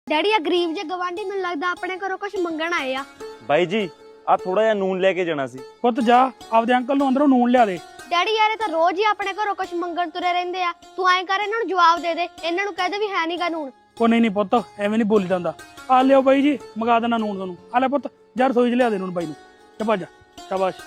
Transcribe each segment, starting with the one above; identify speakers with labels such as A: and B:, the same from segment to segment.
A: Daddy ਆ ਗਰੀਬ ਜੇ ਗਵਾਂਢੀ ਮੈਨੂੰ ਲੱਗਦਾ ਆਪਣੇ ਘਰੋਂ ਕੁਝ ਮੰਗਣ ਆਏ ਆ।
B: ਬਾਈ ਜੀ ਆ ਥੋੜਾ ਜਿਹਾ ਨੂਨ ਲੈ ਕੇ ਜਾਣਾ ਸੀ।
C: ਪੁੱਤ ਜਾ ਆਪਦੇ ਅੰਕਲ ਨੂੰ ਅੰਦਰੋਂ ਨੂਨ ਲਿਆ ਦੇ।
A: ਡੈਡੀ ਯਾਰ ਇਹ ਤਾਂ ਰੋਜ਼ ਹੀ ਆਪਣੇ ਘਰੋਂ ਕੁਝ ਮੰਗਣ ਤੁਰੇ ਰਹਿੰਦੇ ਆ। ਤੂੰ ਐਂ ਕਰ ਇਹਨਾਂ ਨੂੰ ਜਵਾਬ ਦੇ ਦੇ, ਇਹਨਾਂ ਨੂੰ ਕਹਿ ਦੇ ਵੀ ਹੈ ਨਹੀਂਗਾ ਨੂਨ।
C: ਉਹ ਨਹੀਂ ਪੁੱਤ ਐਵੇਂ ਨਹੀਂ ਬੋਲੀ ਜਾਂਦਾ। ਆ ਲਿਓ ਬਾਈ ਜੀ ਮੰਗਾ ਦੇਣਾ ਨੂਨ ਤੁਹਾਨੂੰ। ਆ ਲੈ ਪੁੱਤ ਜਾ ਰਸੋਈ 'ਚ ਲਿਆ ਦੇ ਨੂਨ ਬਾਈ ਨੂੰ। ਜਾ ਭੱਜ ਸ਼ਾਬਾਸ਼।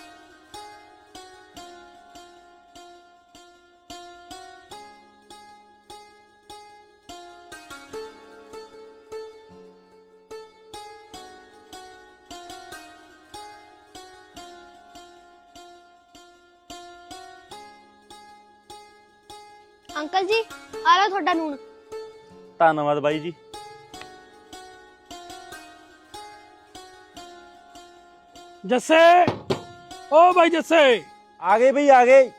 A: ਅੰਕਲ ਜੀ ਆ ਲਓ ਤੁਹਾਡਾ ਨੂਨ।
B: ਧੰਨਵਾਦ ਬਾਈ ਜੀ।
C: ਜੱਸੇ ਓ ਬਾਈ ਜੱਸੇ
B: ਆ ਗਏ ਬਈ ਆ ਗਏ।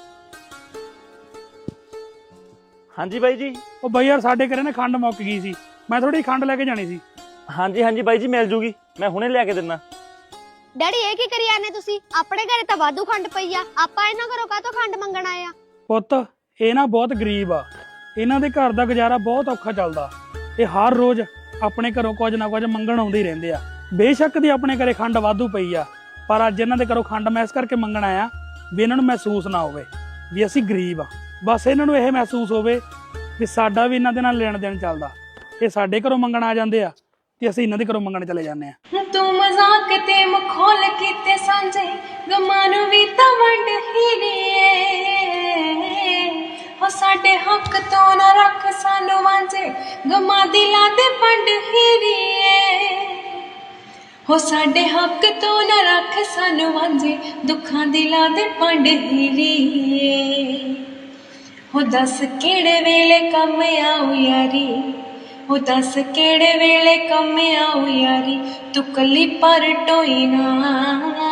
B: ਹਾਂਜੀ ਬਾਈ ਜੀ।
C: ਉਹ ਬਾਈ ਯਾਰ ਸਾਡੇ ਘਰੇ ਨਾ ਖੰਡ ਮੁੱਕ ਗਈ ਸੀ, ਮੈਂ ਥੋੜੀ ਖੰਡ ਲੈ ਕੇ ਜਾਣੀ ਸੀ।
B: ਹਾਂਜੀ ਹਾਂਜੀ ਬਾਈ ਜੀ ਮਿਲ ਜੂਗੀ, ਮੈਂ ਹੁਣੇ ਲਿਆ ਕੇ ਦਿੰਦਾ।
A: ਡੈਡੀ ਇਹ ਕੀ ਕਰੀ ਜਾਂਦੇ ਤੁਸੀਂ? ਆਪਣੇ ਘਰੇ ਤਾਂ ਵਾਧੂ ਖੰਡ ਪਈ ਆ, ਆਪਾਂ ਇਹਨਾਂ ਘਰੋਂ ਕਾਹਤੋਂ ਖੰਡ ਮੰਗਣ ਆਏ ਆ?
C: ਪੁੱਤ ਇਹ ਨਾ ਬਹੁਤ ਗਰੀਬ ਆ, ਇਹਨਾਂ ਦੇ ਘਰ ਦਾ ਗੁਜ਼ਾਰਾ ਬਹੁਤ ਔਖਾ ਚੱਲਦਾ। ਇਹ ਹਰ ਰੋਜ਼ ਆਪਣੇ ਘਰੋਂ ਕੁਝ ਨਾ ਕੁਝ ਮੰਗਣ ਆਉਂਦੇ ਹੀ ਰਹਿੰਦੇ ਆ। ਬੇਸ਼ੱਕ ਦੀ ਆਪਣੇ ਘਰੇ ਖੰਡ ਵਾਧੂ ਪਈ ਆ, ਪਰ ਅੱਜ ਇਹਨਾਂ ਦੇ ਘਰੋਂ ਖੰਡ ਮੈਂ ਇਸ ਕਰਕੇ ਮੰਗਣ ਆਇਆ ਵੀ ਇਹਨਾਂ ਨੂੰ ਮਹਿਸੂਸ ਨਾ ਹੋਵੇ ਵੀ ਅਸੀਂ ਗਰੀਬ ਆ। ਬਸ ਇਹਨਾਂ ਨੂੰ ਇਹ ਮਹਿਸੂਸ ਹੋਵੇ ਵੀ ਸਾਡਾ ਵੀ ਇਹਨਾਂ ਦੇ ਨਾਲ ਲੈਣ ਦੇਣ ਚੱਲਦਾ। ਇਹ ਸਾਡੇ ਘਰੋਂ ਮੰਗਣ ਆ ਜਾਂਦੇ ਆ ਤੇ ਅਸੀਂ ਇਹਨਾਂ ਦੇ ਘਰੋਂ ਮੰਗਣ ਚਲੇ ਜਾਂਦੇ ਆ।
D: ਤੂੰ ਮਜ਼ਾਕ ਤੇ ਮਖੌਲ ਕੀਤੇ ਸਾਂਝੇ, ਗਮਾਂ ਨੂੰ ਵੀ ਤਾਂ ਵੰਡ ਹੀ ਹੋ ਸਾਡੇ ਹੱਕ ਤੋਂ ਨਾ ਰੱਖ ਸਾਨੂੰ ਵਾਂਝੇ, ਗਮਾਂ ਦਿਲਾਂ ਤੇ ਵੰਡ ਹੀ ਹੋ ਸਾਡੇ ਹੱਕ ਤੋਂ ਨਾ ਰੱਖ ਸਾਨੂੰ ਵਾਂਝੇ, ਦੁੱਖਾਂ ਦਿਲਾਂ ਤੇ ਵੰਡ ਹੀ ਹੋ ਦੱਸ ਕਿਹੜੇ ਵੇਲੇ ਕੰਮ ਆਉ ਯਾਰੀ, ਹੋ ਦੱਸ ਕਿਹੜੇ ਵੇਲੇ ਕੰਮ ਆਉ ਯਾਰੀ, ਤੂੰ ਕੱਲੀ ਪਰ ਟੋਈ ਨਾ।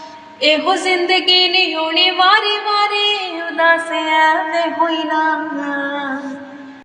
D: ਇਹੋ ਜ਼ਿੰਦਗੀ ਨਹੀਂ ਹੋਣੀ ਵਾਰੀ ਵਾਰੀ, ਉਦਾਸ ਐਵੇਂ ਹੋਈ ਨਾ।